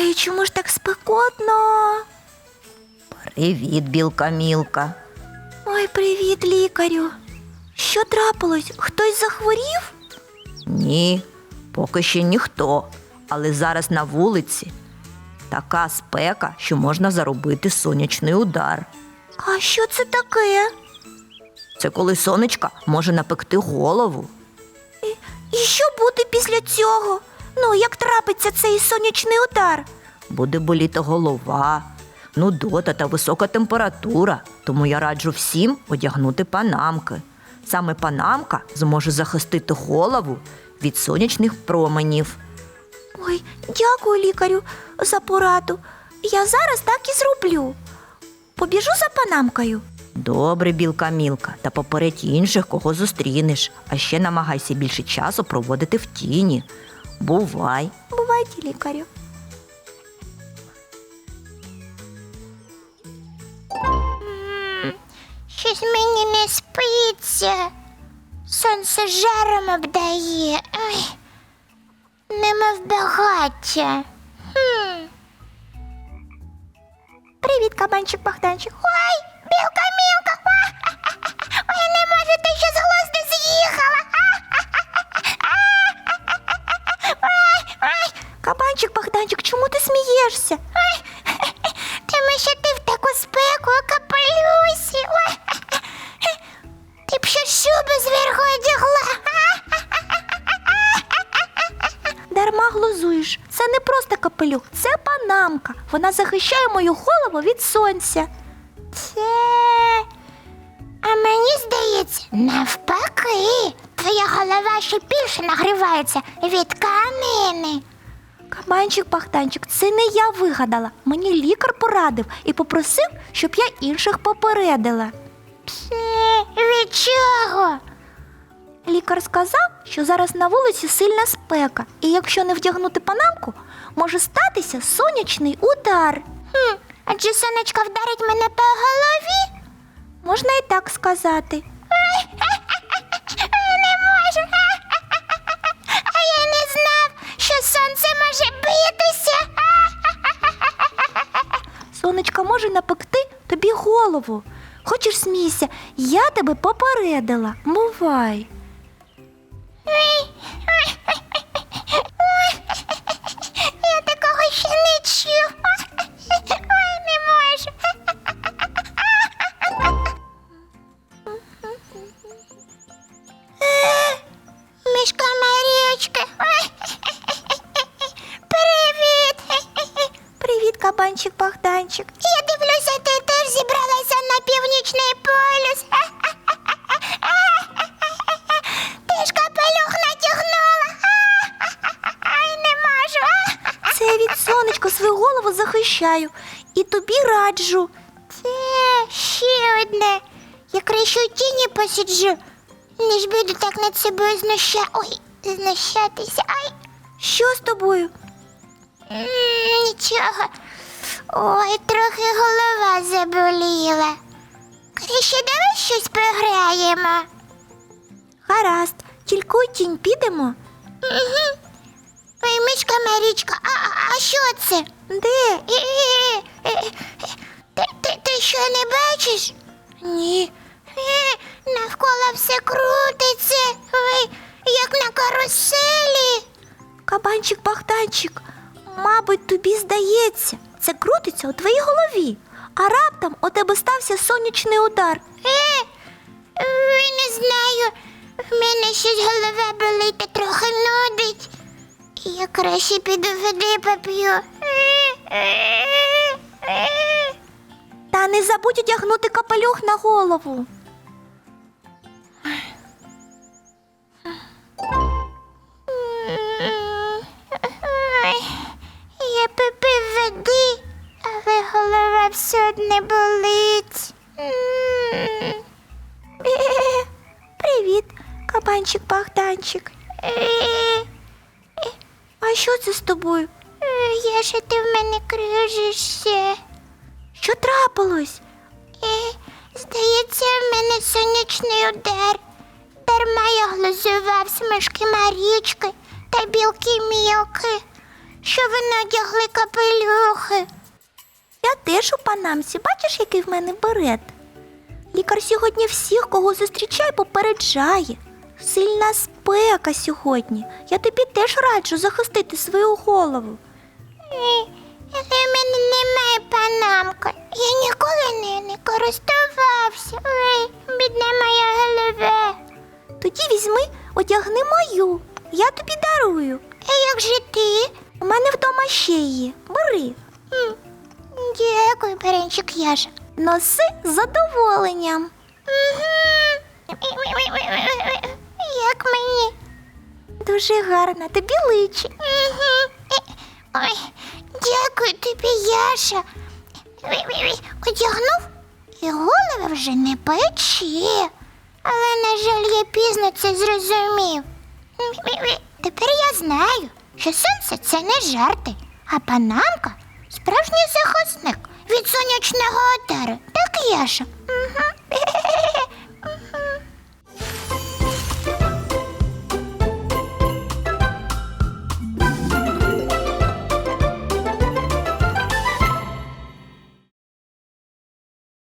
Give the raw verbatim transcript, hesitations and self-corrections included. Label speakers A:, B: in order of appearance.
A: Ой, чому ж так спекотно?
B: Привіт, білка Мілка.
A: Ой, привіт, лікарю. Що трапилось? Хтось захворів?
B: Ні, поки ще ніхто, але зараз на вулиці така спека, що можна заробити сонячний удар.
A: А що це таке?
B: Це коли сонечка може напекти голову.
A: І що буде після цього? Ну, як трапиться цей сонячний удар?
B: Буде боліти голова, нудота та висока температура, тому я раджу всім одягнути панамки. Саме панамка зможе захистити голову від сонячних променів.
A: Ой, дякую, лікарю, за пораду. Я зараз так і зроблю. Побіжу за панамкою.
B: Добре, білка Мілка, та попередь інших, кого зустрінеш. А ще намагайся більше часу проводити в тіні. Бувай!
A: Бувайте, лікарю. Щось мені не спиться. Сонце жаром обдає. Ой, немов багаття. Хм. Привіт, кабанчик Богданчик. Ой, білка Мілка. Ой, я не можу, ти що з глузду з'їхала. Ой, ой. Кабанчик Богданчик, чому ти смієшся? Ой, тому що ти в таку спеку у капелюсі. Ой, ти б ще шубу зверху одягла. Дарма глузуєш. Це не просто капелюх, це панамка. Вона захищає мою голову від сонця. Це... А мені здається, навпаки. Твоя голова ще більше нагрівається від тканини. Кабанчик Богданчик, це не я вигадала. Мені лікар порадив і попросив, щоб я інших попередила. Це від чого? Лікар сказав, що зараз на вулиці сильна спека, і якщо не вдягнути панамку, може статися сонячний удар. Хм, адже сонечко вдарить мене по голові? Можна і так сказати. Я не можу. А я не знав, що сонце може битися. Сонечко може напекти тобі голову. Хочеш смійся, я тебе попередила. Бувай. Я такого ще не чув. Ой, не можу. Мішка Марічка. Привіт. Привіт, кабанчик Богданчик. Я дивлюся, ти теж зібралася на північний полюс. Ти ж капелюх натягнула. Ай, не можу. Це від сонечка свою голову захищаю. І тобі раджу. Це ще одне. Я краще у тіні посиджу, ніж буду так над собою знуща... Ой, знущатися. Ай. Що з тобою? М, Нічого. Ой, трохи голова заболіла. Краще давай щось пограємо. Гаразд, тільки у тінь підемо. Угу. Ой, мишка Марічка, а, а, а що це? Де? Е, е, е, е. Ти, ти, ти що, не бачиш? Ні. Е, навколо все крутиться. Ой, як на каруселі. Кабанчик Богданчик, мабуть, тобі здається, це крутиться у твоїй голові, а раптом у тебе стався сонячний удар. Е, ой, не знаю, в мене щось голова болить та трохи нудить. Я краще піду води поп'ю. Та не забудь одягнути капелюх на голову. Я попив води, але голова все одне болить. Привіт, кабанчик Богданчик. А що це з тобою? Я ж ти в мене кружишся. Що трапилось? Е, здається, в мене сонячний удар. Дарма я глузував смужки Марічки та білки Мілки. що ви надягли капелюхи. Я теж у панамці. Бачиш, який в мене берет? Лікар сьогодні всіх, кого зустрічає, попереджає. Сильна спека сьогодні. Я тобі теж раджу захистити свою голову. Але в мене немає панамки. Я ніколи нею не користувався. Ой, бідна моя голова. Тоді візьми, одягни мою. Я тобі дарую. А як же ти? У мене вдома ще є. Бери. М, Дякую, Перенчик Яша. Носи з задоволенням. Як мені? Дуже гарно, тобі личить. Ой, дякую тобі, Яша. Одягнув і голова вже не пече. Але, на жаль, я пізно це зрозумів. Тепер я знаю, що сонце – це не жарти, а панамка – справжній захисник від сонячного удару. Так, Яша?